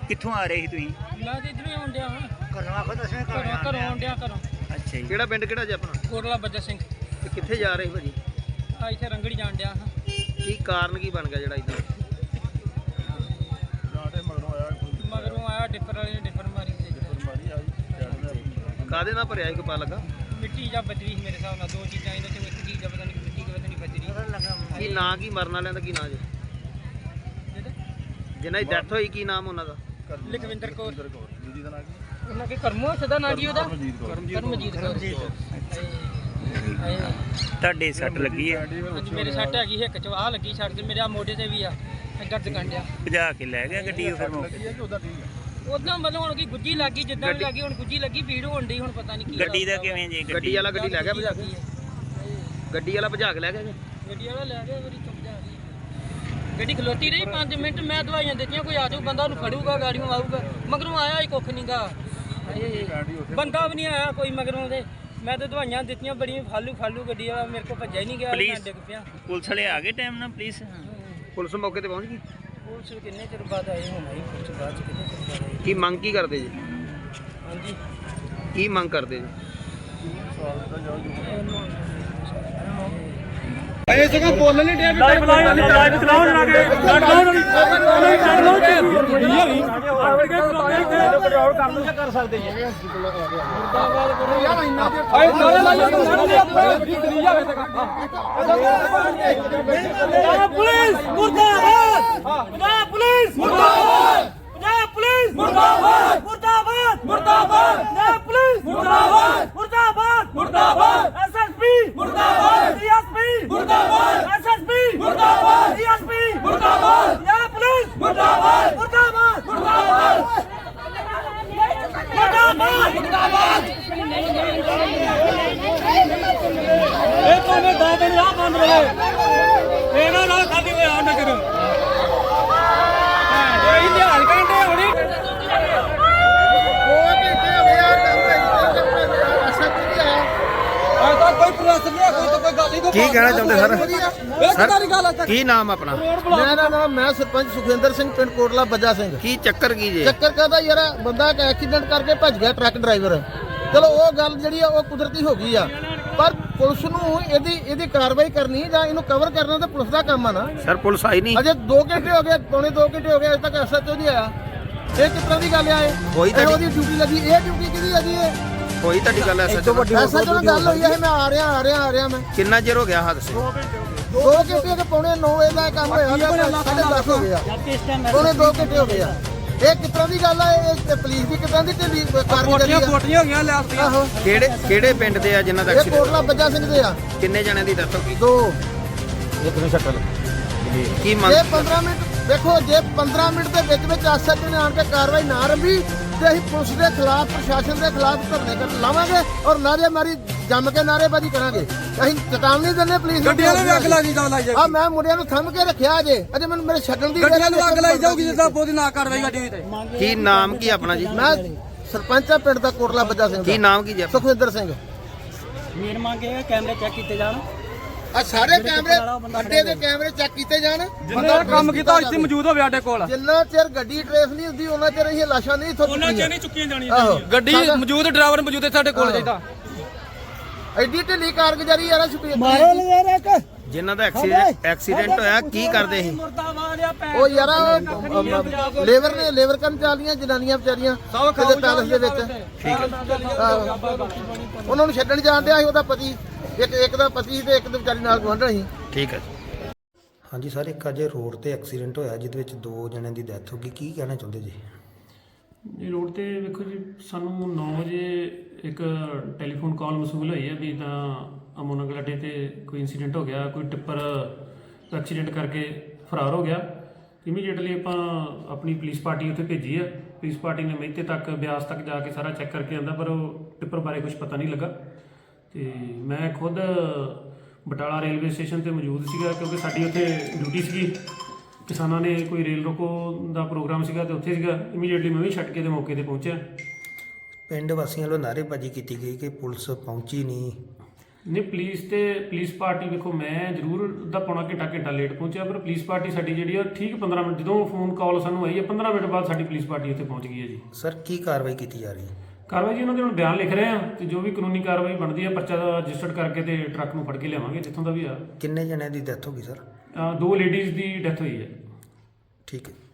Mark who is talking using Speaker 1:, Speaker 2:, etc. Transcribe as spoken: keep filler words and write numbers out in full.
Speaker 1: ਕਿੱਥੋਂ ਆ ਰਹੇ ਸੀ ਤੁਸੀਂ?
Speaker 2: ਮੈਂ ਤੇ ਇਧਰੋਂ ਆਉਣ ਡਿਆ ਹਾਂ
Speaker 1: ਘਰੋਂ ਆਖੋ ਦੱਸਵੇਂ
Speaker 2: ਘਰੋਂ ਘਰੋਂ ਆਉਣ ਡਿਆ ਘਰੋਂ।
Speaker 1: ਅੱਛਾ ਜੀ।
Speaker 3: ਕਿਹੜਾ ਪਿੰਡ ਕਿਹੜਾ ਜੀ ਆਪਣਾ?
Speaker 2: ਕੋਟਲਾ ਬੱਜਾ ਸਿੰਘ।
Speaker 3: ਤੇ ਕਿੱਥੇ ਜਾ ਰਹੇ ਭਾਜੀ?
Speaker 2: ਆ ਇੱਥੇ ਰੰਗੜੀ ਜਾਣ ਡਿਆ ਹਾਂ।
Speaker 3: ਕੀ ਕਾਰਨ ਕੀ ਬਣ ਗਿਆ ਜਿਹੜਾ ਇਦਾਂ?
Speaker 2: ਮਗਰੋਂ ਆਇਆ ਡਿੱਪਰ ਵਾਲੇ ਨੇ ਡਿੱਪਰ ਮਾਰੀ ਤੇ
Speaker 3: ਕਾਹਦੇ ਨਾਲ ਭਰਿਆ ਇੱਕ ਪਾ ਲੱਗਾ?
Speaker 2: ਮਿੱਟੀ ਜਾਂ ਬਜਰੀ ਸੀ ਮੇਰੇ ਹਿਸਾਬ ਨਾਲ, ਦੋ ਚੀਜ਼ਾਂ ਇਹਨਾਂ ਚੋਂ ਇੱਕ ਚੀਜ਼ ਆ, ਪਤਾ ਨਹੀਂ ਮਿੱਟੀ ਕਿ ਪਤਾ ਨਹੀਂ ਬਜਰੀ।
Speaker 3: ਕੀ ਨਾਂ ਕੀ ਮਰਨ ਵਾਲਿਆਂ ਦਾ ਕੀ ਨਾਂ ਜੀ? ਜਿਹਨਾਂ ਦੀ ਡੈਥ ਹੋਈ ਕੀ ਨਾਮ ਉਹਨਾਂ ਦਾ?
Speaker 2: ਲਖਵਿੰਦਰ ਕੌਰ। ਉਹਨਾਂ ਕੇ ਕਰਮੋ ਸਦਾ ਨਾਂ ਜੀ ਉਹਦਾ? ਕਰਮਜੀਤ ਕੌਰ।
Speaker 1: ਤੁਹਾਡੇ ਸੱਟ ਲੱਗੀ ਹੈ?
Speaker 2: ਹਾਂਜੀ ਮੇਰੇ ਸੱਟ ਹੈਗੀ ਹਿੱਕ ਚ, ਆਹ ਲੱਗੀ ਸੱਟ ਤੇ ਮੇਰੇ ਆ ਮੋਢੇ ਤੇ ਵੀ ਆ ਦਰਦ ਕੰਡਿਆ।
Speaker 1: ਭਜਾ ਕੇ ਲੈ ਗਿਆ ਗੱਡੀ ਉਹ ਫਿਰ ਮੌਕੇ?
Speaker 2: ਉਦਾਂ ਮਤਲਬ ਹੁਣ ਕੀ ਗੁੱਜੀ ਲੱਗੀ, ਜਿੱਦਾਂ ਵੀ ਲੱਗੀ ਹੁਣ ਗੁੱਜੀ ਲੱਗੀ, ਭੀੜ ਹੋਣ ਡਈ, ਹੁਣ ਪਤਾ ਨਹੀਂ ਕੀ
Speaker 1: ਗੱਡੀ ਦਾ ਕਿਵੇਂ ਜੀ?
Speaker 3: ਗੱਡੀ ਵਾਲਾ ਗੱਡੀ ਲੈ ਗਿਆ ਭਜਾ ਕੇ? ਗੱਡੀ ਵਾਲਾ ਭਜਾ ਕੇ ਲੈ ਗਿਆ ਜੀ?
Speaker 2: ਗੱਡੀ ਵਾਲਾ ਲੈ ਗਿਆ ਮੇਰੀ ਚੁੱਪ ਜਾ ਗਈ। ਗੱਡੀ ਖਲੋਤੀ ਰਹੀ ਪੰਜ ਮਿੰਟ, ਮੈਂ ਦਵਾਈਆਂ ਦਿੱਤੀਆਂ, ਕੋਈ ਆ ਜਾਊ ਬੰਦਾ ਉਹਨੂੰ ਫੜੂਗਾ, ਗਾੜੀਆਂ ਆਊਗਾ। ਮਗਰੋਂ ਆਇਆ ਹੀ ਕੁੱਖ ਨਹੀਂਗਾ, ਬੰਦਾ ਵੀ ਨਹੀਂ ਆਇਆ ਕੋਈ ਮਗਰੋਂ ਦੇ। ਮੈਂ ਤਾਂ ਦਵਾਈਆਂ ਦਿੱਤੀਆਂ ਬੜੀਆਂ, ਫਾਲੂ ਫਾਲੂ ਗੱਡੀ ਵਾਲਾ ਮੇਰੇ ਕੋਲ ਭੱਜਿਆ ਹੀ ਨਹੀਂ ਗਿਆ, ਮੈਂ ਡਿੱਗ ਪਿਆ।
Speaker 1: ਪੁਲਿਸ ਵਾਲੇ ਆ ਗਏ ਟਾਈਮ ਨਾਲ? ਪੁਲਿਸ
Speaker 3: ਪੁਲਿਸ ਮੌਕੇ ਤੇ ਪਹੁੰਚ ਗਈ?
Speaker 2: ਪੁਲਿਸ ਕਿੰਨੇ ਚਿਰ ਬਾਅਦ ਆਏ ਹੋਣਾ ਜੀ, ਪੁਲਿਸ ਬਾਅਦ ਚ ਕਿੰਨੇ ਚਿਰ ਬਾਅਦ ਆਏ।
Speaker 3: ਕੀ ਮੰਗ ਕੀ ਕਰਦੇ ਜੀ?
Speaker 2: ਹਾਂਜੀ
Speaker 3: ਕੀ ਮੰਗ ਕਰਦੇ ਜੀ?
Speaker 2: ਇਹ ਸਗੋਂ ਬੋਲਣ ਨਹੀਂ ਡਿਆ ਵੀ ਲਾਈਵ ਲਾਈਵ ਲਾਈਵ ਚਲਾਉਣ ਲੱਗੇ ਕੱਟ ਲਾਉਣ ਵਾਲੀ ਕੱਟ ਲਾਉਣ ਤੇ ਕੰਟਰੋਲ ਕਰ ਲੂ ਕਰ ਸਕਦੇ ਜੀ। ਮੁਰਦਾਬਾਦ ਕਰੋ ਯਾਰ, ਇੰਨਾ ਦੇ ਆਏ ਨਾਰੇ ਲਾਈਏ ਤਾਂ ਨਾਰੇ ਦੇ ਆਪਣੇ ਕਰੀ ਜਾਵੇ ਤੇ ਪੁਲਿਸ ਮੁਰਦਾਬਾਦ, ਪੰਜਾਬ ਪੁਲਿਸ ਮੁਰਦਾਬਾਦ, ਪੰਜਾਬ ਪੁਲਿਸ ਮੁਰਦਾਬਾਦ, ਮੁਰਦਾਬਾਦ ਮੁਰਦਾਬਾਦ, ਪੰਜਾਬ ਪੁਲਿਸ ਮੁਰਦਾਬਾਦ, ਮੁਰਦਾਬਾਦ ਮੁਰਦਾਬਾਦ, ਐਸਐਸਪੀ ਮੁਰਦਾਬਾਦ, ਡੀਐਸਪੀ ਮੁਰਦਾਬਾਦ, ਐਸਐਸਪੀ ਮੁਰਦਾਬਾਦ, ਡੀਐਸਪੀ ਮੁਰਦਾਬਾਦ, ਪੰਜਾਬ ਪੁਲਿਸ ਮੁਰਦਾਬਾਦ, ਮੁਰਦਾਬਾਦ ਮੁਰਦਾਬਾਦ ਮੁਰਦਾਬਾਦ ਮੁਰਦਾਬਾਦ। ਇਹ ਕੋਨੇ ਦਾਦੇ ਨੇ ਆ ਬੰਦ ਰਹੇ ਇਹਨਾਂ ਨਾਲ ਖਾਲੀ ਹੋਇਆ ਨਾ ਕਰੋ ਇਹ ਲਿਹਾਲ ਕਰਦੇ ਹੋਣੀ।
Speaker 3: ਕੀ ਕਹਿਣਾ ਚਾਹੁੰਦੇ ਸਰ? ਸਰ ਕੀ ਨਾਮ ਆਪਣਾ?
Speaker 4: ਮੇਰਾ ਨਾਮ ਮੈਂ ਸਰਪੰਚ ਸੁਖਵਿੰਦਰ ਸਿੰਘ, ਪਿੰਡ ਕੋਟਲਾ ਬੱਜਾ ਸਿੰਘ।
Speaker 3: ਕੀ ਚੱਕਰ ਕੀ ਜੇ?
Speaker 4: ਚੱਕਰ ਕਹਦਾ ਯਾਰ ਬੰਦਾ ਇੱਕ ਐਕਸੀਡੈਂਟ ਕਰਕੇ ਭੱਜ ਗਿਆ ਟਰੱਕ ਡਰਾਈਵਰ। ਚਲੋ ਉਹ ਗੱਲ ਜਿਹੜੀ ਆ ਉਹ ਕੁਦਰਤੀ ਹੋ ਗਈ ਆ, ਪਰ ਪੁਲਿਸ ਨੂੰ ਇਹਦੀ ਇਹਦੀ ਕਾਰਵਾਈ ਕਰਨੀ ਜਾਂ ਇਹਨੂੰ ਕਵਰ ਕਰਨਾ ਤਾਂ ਪੁਲਿਸ ਦਾ ਕੰਮ ਆ ਨਾ।
Speaker 3: ਸਰ ਪੁਲਿਸ ਆਈ ਨਹੀਂ
Speaker 4: ਅਜੇ ਦੋ ਘੰਟੇ ਹੋ ਗਏ, ਪੌਣੇ ਦੋ ਘੰਟੇ ਹੋ ਗਏ, ਅਜੇ ਤੱਕ ਐਸਐਚਓ ਨਹੀਂ ਆਇਆ। ਇਹ ਕਿਸ ਤਰ੍ਹਾਂ ਦੀ ਗੱਲ ਆ? ਇਹ
Speaker 3: ਹੋਈ ਤੁਹਾਡੀ
Speaker 4: ਉਹਦੀ ਡਿਊਟੀ ਲੱਗੀ, ਇਹ ਡਿਊਟੀ ਕਿਹਦੀ ਆ ਜੀ? ਇਹ
Speaker 3: ਹੋਈ ਤੁਹਾਡੀ ਗੱਲ ਐਸਐਚਓ
Speaker 4: ਐਸਐਚਓ ਨਾਲ ਗੱਲ ਹੋਈ ਆ, ਮੈਂ ਆ ਰਿਹਾ ਆ ਰਿਹਾ ਆ ਰਿਹਾ ਮੈਂ
Speaker 3: ਕਿੰਨਾ ਚਿਰ ਹੋ ਗਿਆ ਹਾਦਸੇ?
Speaker 4: ਦੋ ਘੰਟੇ ਤੇ ਪੌਣੇ ਨੌ ਵਜੇ ਦਾ ਕੰਮ ਹੋਇਆ, ਸਾਢੇ ਦਸ ਹੋ ਗਿਆ, ਪੌਣੇ ਦੋ ਘੰਟੇ ਹੋ ਗਏ ਆ। ਇਹ ਕਿਸ ਤਰ੍ਹਾਂ ਦੀ ਗੱਲ ਆ? ਇਹ ਪੁਲਿਸ ਦੀ ਕਿਸ ਤਰ੍ਹਾਂ ਦੀ ਢਿੱਲੀ ਕਾਰਗੁਜ਼ਾਰੀ ਆ?
Speaker 2: ਕੋਟੀਆਂ ਹੋ ਗਈਆਂ ਲੈ
Speaker 4: ਆਹੋ,
Speaker 3: ਕਿਹੜੇ ਕਿਹੜੇ ਪਿੰਡ ਦੇ ਆ ਜਿਨ੍ਹਾਂ ਦਾ
Speaker 4: ਇਹ
Speaker 3: ਐਕਸੀਡੈਂਟ?
Speaker 4: ਕੋਟਲਾ ਬੱਜਾ ਸਿੰਘ ਦੇ ਆ।
Speaker 3: ਕਿੰਨੇ ਜਣਿਆਂ ਦੀ ਡੈਥ ਹੋ ਗਈ?
Speaker 4: ਦੋ।
Speaker 3: ਇੱਕ ਨੂੰ ਸ਼ਕਲ ਕੀ ਮੰਗ?
Speaker 4: ਜੇ ਪੰਦਰਾਂ ਮਿੰਟ ਦੇਖੋ, ਜੇ ਪੰਦਰਾਂ ਮਿੰਟ ਦੇ ਵਿੱਚ ਵਿੱਚ ਐਸਐਚਓ ਨੇ ਆਣ ਕੇ ਕਾਰਵਾਈ ਨਾ ਰੰਭੀ ਤੇ ਅਸੀਂ ਪੁਲਿਸ ਦੇ ਖਿਲਾਫ, ਪ੍ਰਸ਼ਾਸਨ ਦੇ ਖਿਲਾਫ ਧਰਨੇ ਕਰ ਲਾਵਾਂਗੇ ਔਰ ਨਾਅਰੇਬਾਜ਼ੀ ਜੰਮ ਕੇ ਨਾਅਰੇਬਾਜ਼ੀ ਕਰਾਂਗੇ। ਅਸੀਂ ਚੇਤਾਵਨੀ ਦਿੰਦੇ ਪੁਲਿਸ ਨੂੰ।
Speaker 2: ਗੱਡੀਆਂ ਨੂੰ ਅੱਗ ਲਾਈ ਜਾਊਗੀ।
Speaker 4: ਆ ਮੈਂ ਮੁੰਡਿਆਂ ਨੂੰ ਥੰਮ ਕੇ ਰੱਖਿਆ ਅਜੇ ਅਜੇ ਮੈਨੂੰ ਮੇਰੇ ਛੱਡਣ ਦੀ
Speaker 2: ਗੱਡੀਆਂ ਨੂੰ ਅੱਗ ਲਾਈ ਜਾਊਗੀ ਜਿੱਦਾਂ ਬੋਦੀ ਨਾ ਕਾਰਵਾਈ ਗੱਡੀ ਤੇ।
Speaker 3: ਕੀ ਨਾਮ ਕੀ ਆਪਣਾ ਜੀ?
Speaker 4: ਮੈਂ ਸਰਪੰਚ ਆ ਪਿੰਡ ਦਾ ਕੋਟਲਾ ਬੱਜਾ ਸਿੰਘ
Speaker 3: ਕੀ
Speaker 4: ਦਾ।
Speaker 3: ਨਾਮ ਕੀ ਜੀ ਆਪਣਾ?
Speaker 4: ਸੁਖਵਿੰਦਰ ਸਿੰਘ।
Speaker 2: ਮੇਰ ਮੰਗੇ ਕੈਮਰੇ ਚੈੱਕ ਕੀਤੇ ਜਾਣ,
Speaker 4: ਆ ਸਾਰੇ ਕੈਮਰੇ ਅੱਡੇ ਦੇ ਕੈਮਰੇ ਚੈੱਕ ਕੀਤੇ ਜਾਣ।
Speaker 2: ਬੰਦਾ ਕੰਮ ਕੀਤਾ ਇੱਥੇ ਮੌਜੂਦ ਹੋਵੇ ਸਾਡੇ ਕੋਲ।
Speaker 4: ਜਿੰਨਾ ਚਿਰ ਗੱਡੀ ਟ੍ਰੇਸ ਨਹੀਂ ਹੁੰਦੀ ਉਹਨਾਂ ਚਿਰ ਇਹ ਲਾਸ਼ਾਂ ਨਹੀਂ ਇੱਥੋਂ
Speaker 2: ਉਹਨਾਂ ਚ ਨਹੀਂ ਚੁੱਕੀਆਂ ਜਾਣੀਆਂ।
Speaker 4: ਆਹੋ,
Speaker 2: ਗੱਡੀ ਮੌਜੂਦ, ਡਰਾਈਵਰ ਮੌਜੂਦ ਹੈ ਸਾਡੇ ਕੋਲ ਚਾਹੀਦਾ।
Speaker 4: ਐਡੀ ਢਿੱਲੀ ਕਾਰਗੁਜ਼ਾਰੀ ਯਾਰ ਸ਼ੁਕਰੀਆ।
Speaker 3: ਜਿਨ੍ਹਾਂ ਦਾ ਐਕਸੀਡੈਂਟ ਐਕਸੀਡੈਂਟ ਹੋਇਆ ਕੀ ਕਰਦੇ ਸੀ?
Speaker 4: ਉਹ ਯਾਰ ਲੇਬਰ ਨੇ ਲੇਬਰ ਕਰਮਚਾਰੀਆਂ ਜਨਾਨੀਆਂ ਵਿਚਾਰੀਆਂ ਕਿਤੇ ਪੈਲਸ ਦੇ ਵਿੱਚ।
Speaker 3: ਠੀਕ ਹੈ
Speaker 4: ਆਹੋ, ਉਹਨਾਂ ਨੂੰ ਛੱਡਣ ਜਾਣ ਡਿਆ ਸੀ ਉਹਦਾ ਪਤੀ, ਇੱਕ ਇੱਕ ਦਾ ਪਤੀ ਤੇ ਇੱਕ ਦੀ ਵਿਚਾਰੀ ਨਾਲ ਗੁਆਂਢਣ ਸੀ।
Speaker 3: ਠੀਕ ਹੈ ਜੀ। ਹਾਂਜੀ ਸਰ, ਇੱਕ ਅਜੇ ਰੋਡ ਤੇ ਐਕਸੀਡੈਂਟ ਹੋਇਆ ਜਿਹਦੇ ਵਿੱਚ ਦੋ ਜਣਿਆਂ ਦੀ ਡੈਥ ਹੋ ਗਈ, ਕੀ ਕਹਿਣਾ ਚਾਹੁੰਦੇ ਜੀ?
Speaker 5: ਜੀ ਰੋਡ ਤੇ ਵੇਖੋ ਜੀ, ਸਾਨੂੰ ਨੌ ਵਜੇ ਇੱਕ ਟੈਲੀਫੋਨ ਕਾਲ ਮਸੂਲ ਹੋਈ ਹੈ ਵੀ ਤਾਂ ਅਮੋਨਗਲ ਅੱਡੇ ਤੇ ਕੋਈ ਇਨਸੀਡੈਂਟ ਹੋ ਗਿਆ, ਕੋਈ ਟਿੱਪਰ ਐਕਸੀਡੈਂਟ ਕਰਕੇ ਫਰਾਰ ਹੋ ਗਿਆ। ਇਮੀਡੀਏਟਲੀ ਆਪਾਂ ਆਪਣੀ ਪੁਲਿਸ ਪਾਰਟੀ ਉੱਥੇ ਭੇਜੀ ਆ। ਪੁਲਿਸ ਪਾਰਟੀ ਨੇ ਮਹਿਤੇ ਤੱਕ, ਬਿਆਸ ਤੱਕ ਜਾ ਕੇ ਸਾਰਾ ਚੈੱਕ ਕਰਕੇ ਆਂਦਾ, ਪਰ ਉਹ ਟਿੱਪਰ ਬਾਰੇ ਕੁਝ ਪਤਾ ਨਹੀਂ ਲੱਗਾ। ਤੇ ਮੈਂ ਖੁਦ ਬਟਾਲਾ ਰੇਲਵੇ ਸਟੇਸ਼ਨ ਤੇ ਮੌਜੂਦ ਸੀਗਾ ਕਿਉਂਕਿ ਸਾਡੀ ਉੱਥੇ ਡਿਊਟੀ ਸੀਗੀ। ਕਿਸਾਨਾਂ ਨੇ ਕੋਈ ਰੇਲ ਰੋਕੋ ਦਾ ਪ੍ਰੋਗਰਾਮ ਸੀਗਾ ਤੇ ਉੱਥੇ ਸੀਗਾ। ਇਮੀਡੀਏਟਲੀ ਮੈਂ ਵੀ ਛੱਡ ਕੇ ਤੇ ਮੌਕੇ ਤੇ ਪਹੁੰਚਿਆ।
Speaker 3: ਪਿੰਡ ਵਾਸੀਆਂ ਵੱਲੋਂ ਨਾਅਰੇਬਾਜ਼ੀ ਕੀਤੀ ਗਈ ਕਿ ਪੁਲਿਸ ਪਹੁੰਚੀ ਨਹੀਂ,
Speaker 5: ਨਹੀਂ ਪੁਲਿਸ ਤੇ ਪੁਲਿਸ ਪਾਰਟੀ ਵੇਖੋ ਮੈਂ ਜ਼ਰੂਰ ਅੱਧਾ ਪੌਣਾ ਘੰਟਾ ਘੰਟਾ ਲੇਟ ਪਹੁੰਚਿਆ ਪਰ ਪੁਲਿਸ ਪਾਰਟੀ ਸਾਡੀ ਜਿਹੜੀ ਆ ਠੀਕ ਪੰਦਰਾਂ ਮਿੰਟ ਜਦੋਂ ਫੋਨ ਕਾਲ ਸਾਨੂੰ ਆਈ ਹੈ ਪੰਦਰਾਂ ਮਿੰਟ ਬਾਅਦ ਸਾਡੀ ਪੁਲਿਸ ਪਾਰਟੀ ਉੱਥੇ ਪਹੁੰਚ ਗਈ ਹੈ ਜੀ।
Speaker 3: ਸਰ ਕੀ ਕਾਰਵਾਈ ਕੀਤੀ ਜਾ ਰਹੀ ਹੈ?
Speaker 5: ਕਾਰਵਾਈ ਜੀ ਉਹਨਾਂ ਦੇ ਹੁਣ ਬਿਆਨ ਲਿਖ ਰਹੇ ਆ ਤੇ ਜੋ ਵੀ ਕਾਨੂੰਨੀ ਕਾਰਵਾਈ ਬਣਦੀ ਹੈ ਪਰਚਾ ਰਜਿਸਟਰਡ ਕਰਕੇ ਤੇ ਟਰੱਕ ਨੂੰ ਫੜ ਕੇ ਲਿਆਵਾਂਗੇ ਜਿੱਥੋਂ ਦਾ ਵੀ ਆ।
Speaker 3: ਕਿੰਨੇ ਜਣਿਆਂ ਦੀ ਡੈਥ ਹੋ ਗਈ ਸਰ?
Speaker 5: ਅਹ ਦੋ ਲੇਡੀਜ਼ ਦੀ ਡੈਥ ਹੋਈ ਹੈ।
Speaker 3: ਠੀਕ ਹੈ।